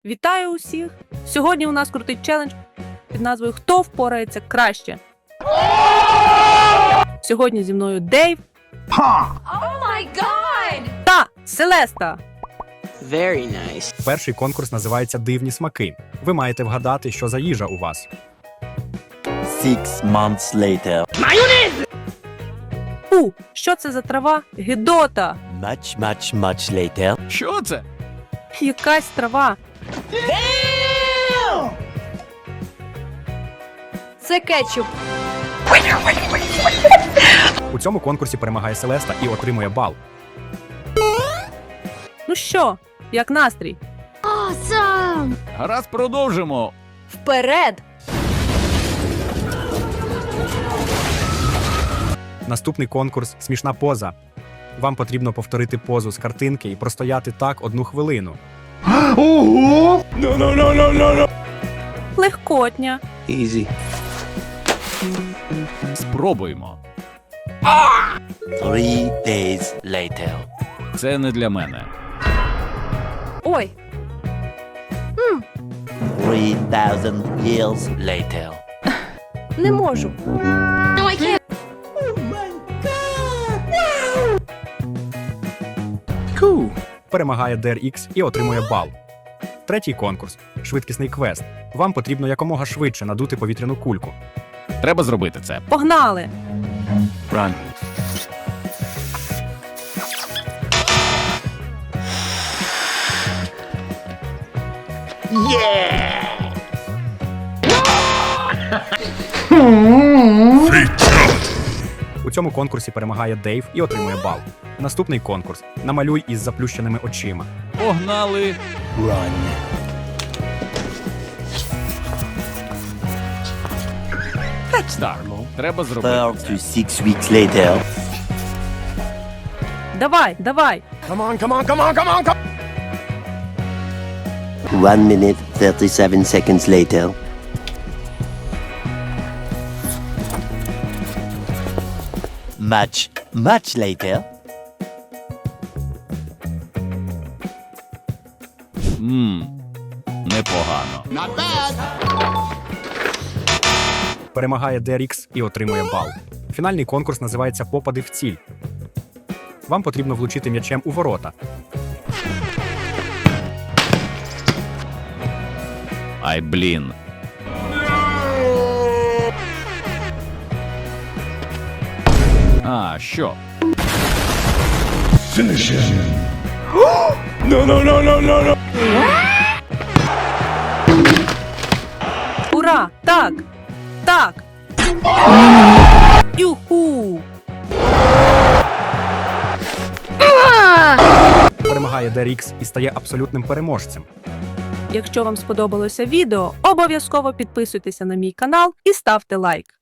Вітаю усіх! Сьогодні у нас крутий челендж під назвою «Хто впорається краще?». Сьогодні зі мною Дейв та Селеста. Very nice. Перший конкурс називається «Дивні смаки». Ви маєте вгадати, що за їжа у вас. 6 months later. Що це за трава? Гидота! Much later. Що це? Якась трава. Це кетчуп. У цьому конкурсі перемагає Селеста і отримує бал. Ну що, як настрій? Awesome! Гаразд, продовжимо. Вперед! Наступний конкурс «Смішна поза». Вам потрібно повторити позу з картинки і простояти так 1 хвилину. Легкотня. Easy. Спробуємо. 3 days later. Це не для мене. Ой, 3000 years later. не можу. Перемагає DRX і отримує бал. Третій конкурс – швидкісний квест. Вам потрібно якомога швидше надути повітряну кульку. Треба зробити це. Погнали! Run. У цьому конкурсі перемагає Дейв і отримує бал. Наступний конкурс – намалюй із заплющеними очима. Погнали. Run. Так, треба 4 зробити to це. 6 weeks later. Давай, давай! 1 minute 37 seconds later. Much later. Непогано. Перемагає DRX і отримує бал. Фінальний конкурс називається «Попади в ціль». Вам потрібно влучити м'ячем у ворота. Ай, блін. А, що? Ура! Так! Так! Юху! Перемагає DRX і стає абсолютним переможцем. Якщо вам сподобалося відео, обов'язково підписуйтеся на мій канал і ставте лайк.